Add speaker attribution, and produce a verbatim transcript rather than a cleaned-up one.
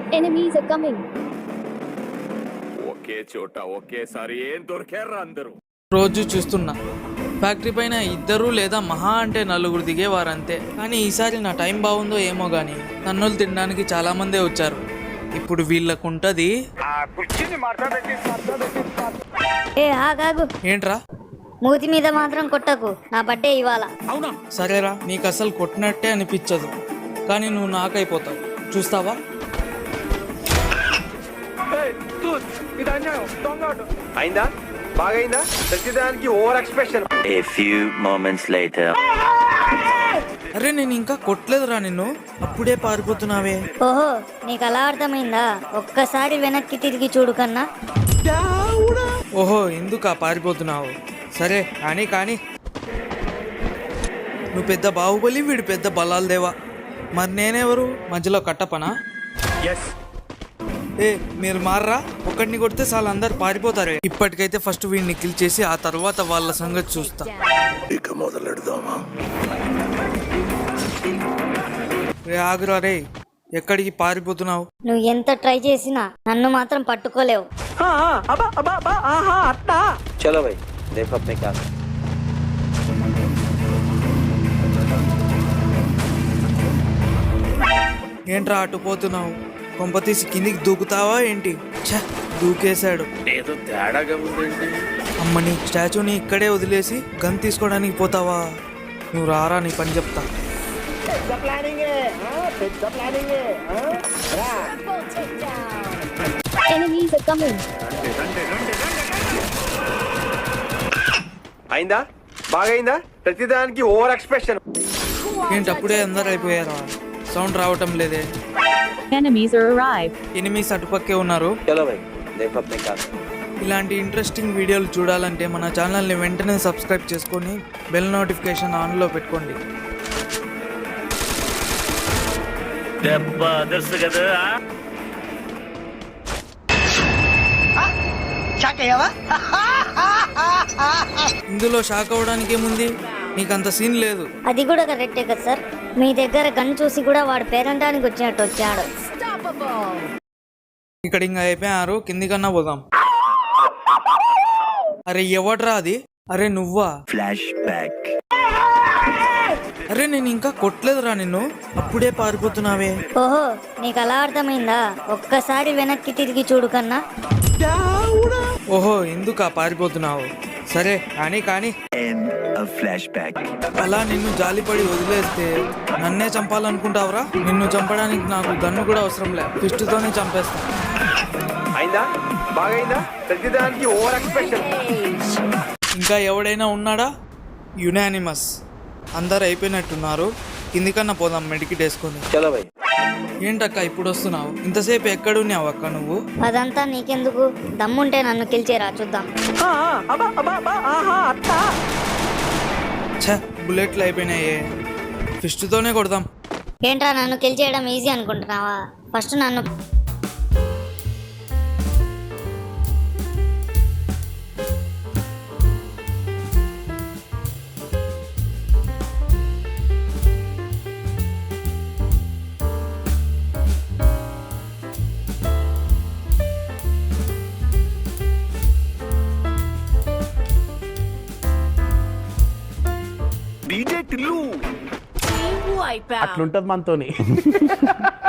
Speaker 1: Enemies are coming.
Speaker 2: ఒకే చోట ఒకేసారి ఏం దొరికారా అందరూ?
Speaker 3: రోజు చూస్తున్నా ఫ్యాక్టరీ పైన ఇద్దరు లేదా మహా అంటే నలుగురు దిగేవారంతే. కానీ ఈసారి నా టైం బాగుందో ఏమో గానీ నన్నులు తినడానికి చాలా మందే వచ్చారు. ఇప్పుడు వీళ్ళకుంటది.
Speaker 4: ఏ ఆగాగు,
Speaker 3: ఏంట్రా?
Speaker 4: మూతి మీద మాత్రం కొట్టకు, నా బర్త్డే ఇవాళ.
Speaker 3: అవునా? సరేరా, నీకు అసలు కొట్టినట్టే అనిపించదు, కానీ నువ్వు నాకైపోతావు. చూస్తావా?
Speaker 5: అయిందా? బాగైందా? ప్రతిదానికి over expression.
Speaker 6: A few moments later.
Speaker 3: అరే నేను ఇంకా కొట్టలేదురా నిన్ను, అప్పుడే పారిపోతున్నావే.
Speaker 4: ఓహో, నీకు అలా అర్థమైందా? ఒక్కసారి వెనక్కి తిరిగి చూడు కన్నా.
Speaker 3: ఓహో, ఎందుకా పారిపోతున్నావు? సరే కానీ కానీ నువ్వు పెద్ద బాహుబలి, వీడు పెద్ద బలాలు దేవా. మరి నేనెవరు? మధ్యలో కట్టపనా? ఏ మీరు మారరా, ఒక్కడిని కొడితే చాలా అందరు పారిపోతారే. ఇప్పటికైతే ఫస్ట్ వీడిని కిల్ చేసి ఆ తర్వాత వాళ్ళ సంగతి చూస్తా.
Speaker 2: ఇక మొదలెడదామా?
Speaker 3: రే ఆగురా రే, ఎక్కడికి పారిపోతున్నావు?
Speaker 4: నువ్వు ఎంత ట్రై చేసినా నన్ను మాత్రం పట్టుకోలేవు.
Speaker 5: చలో భయ్, దేఖో అప్నే క్యా.
Speaker 3: ఏంట్రా అటు పోతున్నావు? కొంపతీసి కిందికి దూకుతావా ఏంటి? ఛ, దూకేశాడు.
Speaker 2: ఏదో తేడాగా ఉందండి.
Speaker 3: అమ్మని స్టాచ్యూని ఇక్కడే వదిలేసి గన్ తీసుకోవడానికి పోతావా? నువ్వు రారా, నీ పని చెప్తా.
Speaker 1: Enemies are coming.
Speaker 5: అయిందా? బాగైందా? ప్రతిదానికి ఓవర్ ఎక్స్ప్రెషన్.
Speaker 3: ఏంటి అప్పుడే అందరు అయిపోయారా? సౌండ్ రావటం లేదే.
Speaker 1: Enemies are arrived.
Speaker 3: ఎనిమిస్ అటుపక్కే ఉన్నారు.
Speaker 5: చలో భయ్, దేఖో అప్నే క్యా.
Speaker 3: ఇలాంటి ఇంట్రెస్టింగ్ వీడియోలు చూడాలంటే మన ఛానల్ని వెంటనే సబ్స్క్రైబ్ చేసుకొని బెల్ నోటిఫికేషన్ ఆన్లో పెట్టుకోండి.
Speaker 6: దెబ్బ అదర్సు కదా.
Speaker 3: ఇందులో షాక్ అవ్వడానికి ఏముంది? నీకంత సీన్ లేదు.
Speaker 4: అది కూడా కరెక్టే కదా సార్. మీ దగ్గర గన్ చూసి కూడా వాడు పేరంటానికి వచ్చినట్టు వచ్చాడు.
Speaker 3: ఇక్కడ ఇంకా అయిపోయారు, కింది కన్నా పోదాం. అరే ఎవడ్రా అది? అరే నువ్వా?
Speaker 6: Flash back.
Speaker 3: అరే నేను ఇంకా కొట్టలేదురా నిన్ను, అప్పుడే పారిపోతున్నావే.
Speaker 4: ఓహో, నీకు అలా అర్థమైందా? ఒక్కసారి వెనక్కి తిరిగి చూడు కన్నా.
Speaker 3: ఓహో, ఎందుకా పారిపోతున్నావు? సరే కానీ కానీ
Speaker 6: End of flashback.
Speaker 3: అలా నిన్ను జాలిపడి వదిలేస్తే నన్నే చంపాలనుకుంటావురా? నిన్ను చంపడానికి నాకు గన్ను కూడా అవసరం లే, ఫిస్ట్తోనే చంపేస్తా.
Speaker 5: అయిందా? బాగైందా? ప్రతిదానికి ఓవర్ ఎక్స్ప్రెషన్.
Speaker 3: ఇంకా ఎవడైనా ఉన్నాడా? యునానిమస్. అందరు అయిపోయినట్టున్నారు, కిందికన్నా పోదాం మెడికిట్ వేసుకొని.
Speaker 5: చలో భయ్.
Speaker 3: ఏంటక్క ఇప్పుడు వస్తున్నావు? ఇంతసేపు ఎక్కడున్నావు అక్క నువ్వు?
Speaker 4: అదంతా నీకెందుకు? దమ్ముంటే నన్ను కిల్చేరా చూద్దాం.
Speaker 3: ఛ, బుల్లెట్లు అయిపోయినాయే, ఫిస్ట్తోనే కొడదాం.
Speaker 4: ఏంట్రా నన్ను కిల్ చేయడం ఈజీ అనుకుంటున్నావా? ఫస్ట్ నన్ను
Speaker 2: డీజే టిల్లు
Speaker 7: అట్లుంటది మనతోని.